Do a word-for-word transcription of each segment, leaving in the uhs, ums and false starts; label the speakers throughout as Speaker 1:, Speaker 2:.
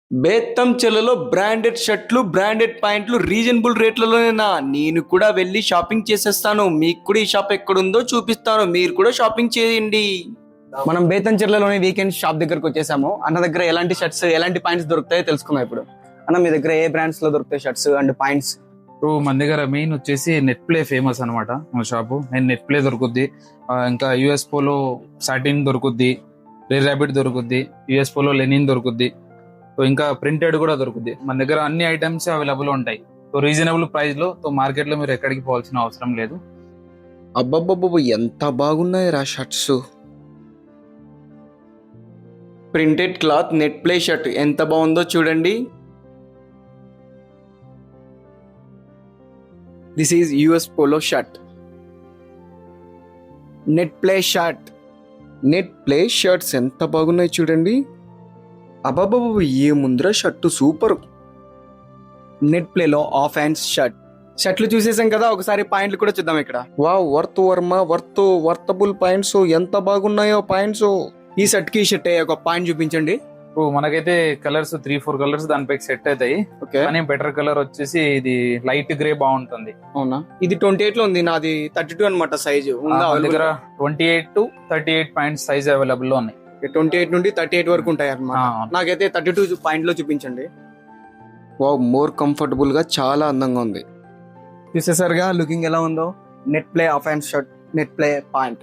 Speaker 1: బేత్తం చెల్లలో బ్రాండెడ్ షర్ట్లు, బ్రాండెడ్ ప్యాంట్లు రీజనబుల్ రేట్లలోనేనా? నేను కూడా వెళ్ళి షాపింగ్ చేసేస్తాను. మీకు కూడా ఈ షాప్ ఎక్కడుందో చూపిస్తాను. మీరు కూడా షాపింగ్ చేయండి. మనం బేతంచెర్లలోని వీకెండ్ షాప్ దగ్గరకు వచ్చేసాము. అన్న దగ్గర ఎలాంటి షర్ట్స్, ఎలాంటి ప్యాంట్స్ దొరుకుతాయో తెలుసుకుందాం ఇప్పుడు. అన్న, మీ దగ్గర ఏ బ్రాండ్స్ లో దొరుకుతాయి షర్ట్స్ అండ్ ప్యాంట్స్?
Speaker 2: ఇప్పుడు మన దగ్గర మెయిన్ వచ్చేసి నెట్ ప్లే ఫేమస్ అనమాట మన షాపు. నేను నెట్ ప్లే దొరుకుద్ది, ఆ, ఇంకా యుఎస్ పోలో సాటిన్ దొరుకుద్ది, రేర్ ర్యాబిట్ దొరుకుద్ది, యుఎస్ పోలో లెనిన్ దొరుకుద్ది, సో ఇంకా ప్రింటెడ్ కూడా దొరుకుద్ది. మన దగ్గర అన్ని ఐటమ్స్ అవైలబుల్ ఉంటాయి. సో రీజనబుల్ ప్రైస్ లో, సో మార్కెట్ లో మీరు ఎక్కడికి పోవాల్సిన అవసరం లేదు.
Speaker 1: అబ్బబ్బబ్బబ్బ, ఎంత బాగున్నాయి రా shirts. Printed cloth net play shirt ఎంత బాగుందో చూడండి. This is US polo shirt. Net play shirt. Net play shirts ఎంత బాగున్నాయి చూడండి. అబాబాబు, ఏ ముందర షర్టు సూపర్. నెట్ ప్లేలో ఆఫ్ హ్యాండ్స్ షర్ట్. షర్ట్లు చూసేసాం కదా, ఒకసారి పాయింట్లు కూడా చూద్దాం ఇక్కడ. వావ్, వర్త్ వర్మ వర్త్ వర్తబుల్ పాయింట్స్. ఎంత బాగున్నాయో పాయింట్స్. ఈ షర్ట్ కి షర్ట్ ఒక పాయింట్ చూపించండి.
Speaker 2: ఇప్పుడు మనకైతే కలర్స్ త్రీ ఫోర్ కలర్స్ దానిపై సెట్ అవుతాయి.
Speaker 1: ఓకే,
Speaker 2: కానీ బెటర్ కలర్ వచ్చేసి ఇది లైట్ గ్రే బాగుంటుంది.
Speaker 1: అవునా? ఇది ట్వంటీ ఎయిట్ లో ఉంది, నాది థర్టీ టూ అనమాట సైజు.
Speaker 2: మన దగ్గర twenty eight to thirty eight pants size available లో ఉన్నాయి.
Speaker 1: ట్వంటీ ఎయిట్ నుండి థర్టీ ఎయిట్ వరకు ఉంటాయి అన్నమాట. నాకైతే థర్టీ టూ పాయింట్ లో చూపించండి. వావ్, మోర్ కంఫర్టబుల్ గా చాలా అందంగా ఉంది. చూసేసరిగా లుకింగ్ ఎలా ఉందో. Net play half hand shirt, net play pant.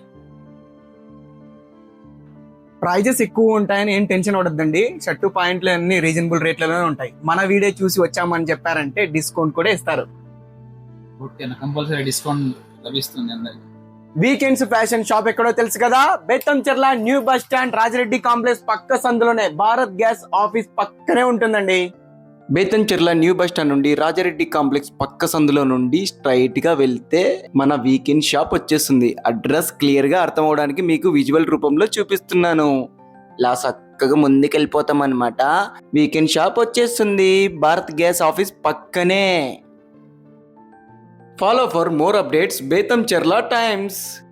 Speaker 1: Prices ఎక్కువ ఉంటాయని ఏం టెన్షన్ పడద్దండి. షర్టు పాయింట్లు అన్ని రీజనబుల్ రేట్లలోనే ఉంటాయి. మన వీడియో చూసి వచ్చామని చెప్పారంటే డిస్కౌంట్ కూడా ఇస్తారు.
Speaker 2: కంపల్సరీ డిస్కౌంట్ లభిస్తుంది అందరికి.
Speaker 1: వీకెండ్స్ ఫ్యాషన్ షాప్ ఎక్కడో తెలుసు కదా, Betamcherla new bus stand Rajireddy complex పక్క సందులోనే, భారత్ గ్యాస్ ఆఫీస్ పక్కనే ఉంటుందండి. బేతంచెర్ల న్యూ బస్ స్టాండ్ నుండి రాజారెడ్డి కాంప్లెక్స్ పక్క సందులో నుండి స్ట్రైట్ గా వెళ్తే మన వీకెండ్ షాప్ వచ్చేస్తుంది. అడ్రస్ క్లియర్ గా అర్థం అవడానికి మీకు విజువల్ రూపంలో చూపిస్తున్నాను. ఇలా చక్కగా ముందుకెళ్ళిపోతాం అనమాట. వీకెండ్ షాప్ వచ్చేస్తుంది, భారత్ గ్యాస్ ఆఫీస్ పక్కనే. Follow for more updates, Betamcherla Times.